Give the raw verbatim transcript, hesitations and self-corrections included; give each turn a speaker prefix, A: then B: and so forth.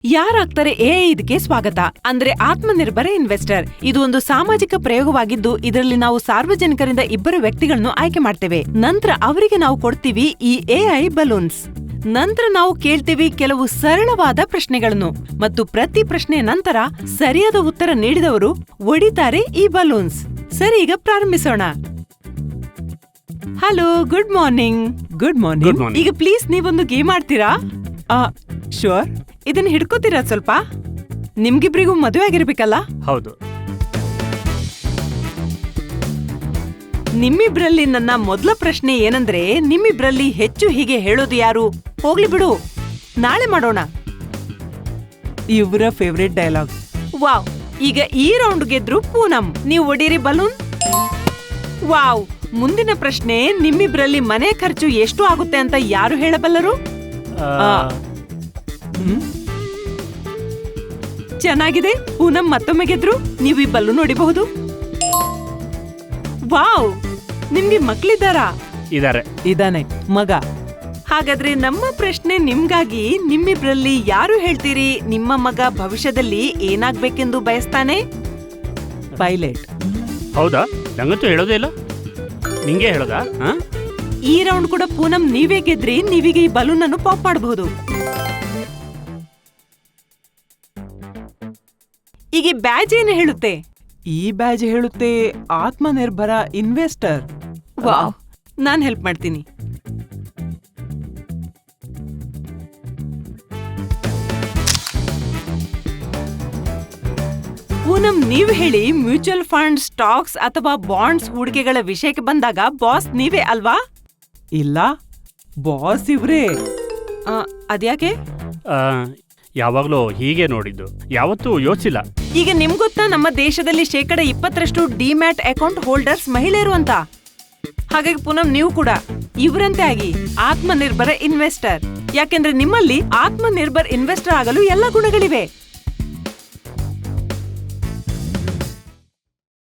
A: ಯಾರಾಗ್ತಾರೆ A ಇದಕ್ಕೆ ಸ್ವಾಗತ. ಅಂದ್ರೆ ಆತ್ಮನಿರ್ಭರ ಇನ್ವೆಸ್ಟರ್ ಇದು ಒಂದು ಸಾಮಾಜಿಕ ಪ್ರಯೋಗವಾಗಿದ್ದು, ಇದರಲ್ಲಿ ನಾವು ಸಾರ್ವಜನಿಕರಿಂದ ಇಬ್ಬರು ವ್ಯಕ್ತಿಗಳನ್ನು ಆಯ್ಕೆ ಮಾಡ್ತೇವೆ. ನಂತರ ಅವರಿಗೆ ನಾವು ಕೊಡ್ತೀವಿ ಈ ಎಐ ಬಲೂನ್ಸ್. ನಂತರ ನಾವು ಕೇಳ್ತೀವಿ ಕೆಲವು ಸರಳವಾದ ಪ್ರಶ್ನೆಗಳನ್ನು ಮತ್ತು ಪ್ರತಿ ಪ್ರಶ್ನೆಯ ನಂತರ ಸರಿಯಾದ ಉತ್ತರ ನೀಡಿದವರು ಒಡಿತಾರೆ ಈ ಬಲೂನ್ಸ್. ಸರಿ, ಈಗ ಪ್ರಾರಂಭಿಸೋಣ. Hello, good morning. Good morning. ಈಗ ಪ್ಲೀಸ್ ನೀವೊಂದು ಗೇಮ್ ಆಡ್ತೀರಾ? ಶೋರ್. ಇದನ್ನ ಹಿಡ್ಕೋತೀರಾ ಸ್ವಲ್ಪ? ನಿಮ್ಗಿಬ್ರಿಗೂ ಮದುವೆ ಆಗಿರ್ಬೇಕಲ್ಲ?
B: ಹೌದು.
A: ನಿಮ್ಮಿಬ್ರಲ್ಲಿ ನನ್ನ ಮೊದಲ ಪ್ರಶ್ನೆ ಏನಂದ್ರೆ, ನಿಮ್ಮಿಬ್ರಲ್ಲಿ ಹೆಚ್ಚು ಹೀಗೆ ಹೇಳೋದು ಯಾರು? ಹೋಗ್ಲಿ ಬಿಡು, ನಾಳೆ ಮಾಡೋಣ. ಇವರ ಫೇವ್ರೆಟ್ ಡೈಲಾಗ್. ವಾವ್, ಈಗ ಈ ರೌಂಡ್ ಗೆದ್ರು ಪೂನಂ. ನೀವು ಒಡೀರಿ ಬಲೂನ್. ವಾವ್, ಮುಂದಿನ ಪ್ರಶ್ನೆ, ನಿಮ್ಮಿಬ್ರಲ್ಲಿ ಮನೆ ಖರ್ಚು ಎಷ್ಟು ಆಗುತ್ತೆ ಅಂತ ಯಾರು ಹೇಳಬಲ್ಲರು? ಚೆನ್ನಾಗಿದೆ, ಪೂನಂ ಮತ್ತೊಮ್ಮೆ ಗೆದ್ರು. ನೀವು ಈ ಬಲೂನ್ ನೋಡಿಬಹುದು. ವಾವ್, ನಿಮ್ಗೆ ಮಕ್ಳಿದ್ದಾರಾ?
B: ಇದಾರೆ.
A: ಇದಾನೆ ಮಗ. ಹಾಗಾದ್ರೆ ನಮ್ಮ ಪ್ರಶ್ನೆ ನಿಮ್ಗಾಗಿ, ನಿಮ್ಮಿಬ್ರಲ್ಲಿ ಯಾರು ಹೇಳ್ತೀರಿ ನಿಮ್ಮ ಮಗ ಭವಿಷ್ಯದಲ್ಲಿ ಏನಾಗ್ಬೇಕೆಂದು ಬಯಸ್ತಾನೆ? ಪೈಲಟ್.
B: ಹೌದಾ? ನಂಗಂತೂ ಹೇಳೋದೇ ಇಲ್ಲ. ನಿಂಗೆ ಹೇಳೋದಾ?
A: ಈ ರೌಂಡ್ ಕೂಡ ಪೂನಂ ನೀವೇ ಗೆದ್ರಿ. ನೀವೀಗ ಈ ಬಲೂನ್ ಅನ್ನು ಪಾಪ್ ಮಾಡಬಹುದು. ಈಗ ಈ ಬ್ಯಾಜ್ ಏನು ಹೇಳುತ್ತೆ? ಈ ಬ್ಯಾಜ್ ಹೇಳುತ್ತೆ ಆತ್ಮನಿರ್ಭರ ಇನ್ವೆಸ್ಟರ್. ವಾವ್, ನಾನ್ ಹೆಲ್ಪ್ ಮಾಡ್ತೀನಿ. ಪೂನಂ, ನೀವು ಹೇಳಿ. ಮ್ಯೂಚುವಲ್ ಫಂಡ್, ಸ್ಟಾಕ್ಸ್ ಅಥವಾ ಬಾಂಡ್ಸ್ ಹೂಡಿಕೆಗಳ ವಿಷಯಕ್ಕೆ ಬಂದಾಗ ಬಾಸ್ ನೀವೇ ಅಲ್ವಾ? ಇಲ್ಲ, ಬಾಸ್ ಇವ್ರೇ. ಅದ್ಯಾಕೆ?
B: ಯಾವಾಗ್ಲೂ ಹೀಗೆ ನೋಡಿದ್ದು, ಯಾವತ್ತೂ ಯೋಚಿಸಿಲ್ಲ.
A: ಈಗ ನಿಮ್ಗೊತ್ತಾ ನಮ್ಮ ದೇಶದಲ್ಲಿ ಶೇಕಡ ಇಪ್ಪತ್ತರಷ್ಟು ಡಿಮ್ಯಾಟ್ ಅಕೌಂಟ್ ಹೋಲ್ಡರ್ಸ್ ಮಹಿಳೆಯರು ಅಂತ. ಹಾಗಾಗಿ ಪೂನಂ, ನೀವು ಕೂಡ ಇವರಂತೆ ಆಗಿ ಆತ್ಮನಿರ್ಭರ ಇನ್ವೆಸ್ಟರ್. ಯಾಕೆಂದ್ರೆ ನಿಮ್ಮಲ್ಲಿ ಆತ್ಮನಿರ್ಭರ್ ಇನ್ವೆಸ್ಟರ್ ಆಗಲು ಎಲ್ಲ ಗುಣಗಳಿವೆ.